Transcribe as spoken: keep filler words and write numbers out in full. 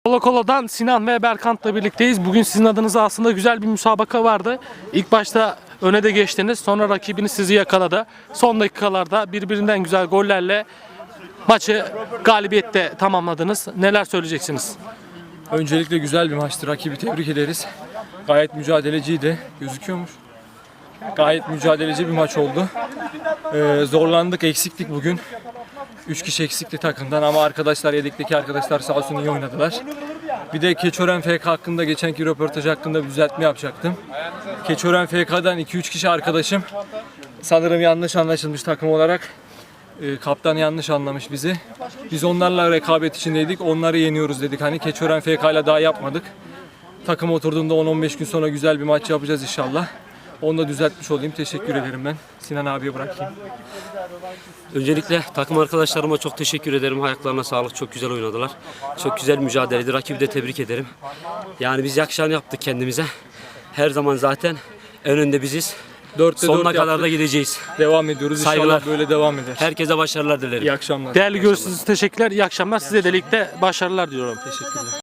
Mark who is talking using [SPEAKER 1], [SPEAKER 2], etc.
[SPEAKER 1] Kolo Kolo'dan Sinan ve Berkant'la birlikteyiz. Bugün sizin adınıza aslında güzel bir müsabaka vardı. İlk başta öne de geçtiniz. Sonra rakibiniz sizi yakaladı. Son dakikalarda birbirinden güzel gollerle maçı galibiyette tamamladınız. Neler söyleyeceksiniz?
[SPEAKER 2] Öncelikle güzel bir maçtı. Rakibi tebrik ederiz. Gayet mücadeleciydi. Gözüküyormuş. Gayet mücadeleci bir maç oldu. Ee, zorlandık, eksiktik bugün. Üç kişi eksikti takımdan ama arkadaşlar, yedekteki arkadaşlar sağ olsun iyi oynadılar. Bir de Keçiören F K hakkında, geçenki röportaj hakkında bir düzeltme yapacaktım. Keçiören F K'dan iki üç kişi arkadaşım sanırım yanlış anlaşılmış takım olarak. E, kaptan yanlış anlamış bizi. Biz onlarla rekabet içindeydik. Onları yeniyoruz dedik. Hani Keçiören F K ile daha yapmadık. Takım oturduğunda on on beş gün sonra güzel bir maç yapacağız inşallah. Onu da düzeltmiş olayım. Teşekkür ederim ben. Sinan abiye bırakayım.
[SPEAKER 3] Öncelikle takım arkadaşlarıma çok teşekkür ederim. Ayaklarına sağlık. Çok güzel oynadılar. Çok güzel mücadeleydi. Rakibi de tebrik ederim. Yani biz yakışanı yaptık kendimize. Her zaman zaten en önde biziz.
[SPEAKER 2] dörtte
[SPEAKER 3] Sonuna
[SPEAKER 2] dört
[SPEAKER 3] kadar
[SPEAKER 2] yaptık.
[SPEAKER 3] da gideceğiz.
[SPEAKER 2] Devam ediyoruz.
[SPEAKER 3] Saygılar.
[SPEAKER 2] İnşallah böyle devam eder.
[SPEAKER 3] Herkese başarılar dilerim.
[SPEAKER 2] İyi akşamlar.
[SPEAKER 1] Değerli görüşünüz için teşekkürler. İyi akşamlar. Size de ligde başarılar diliyorum.
[SPEAKER 2] Teşekkürler.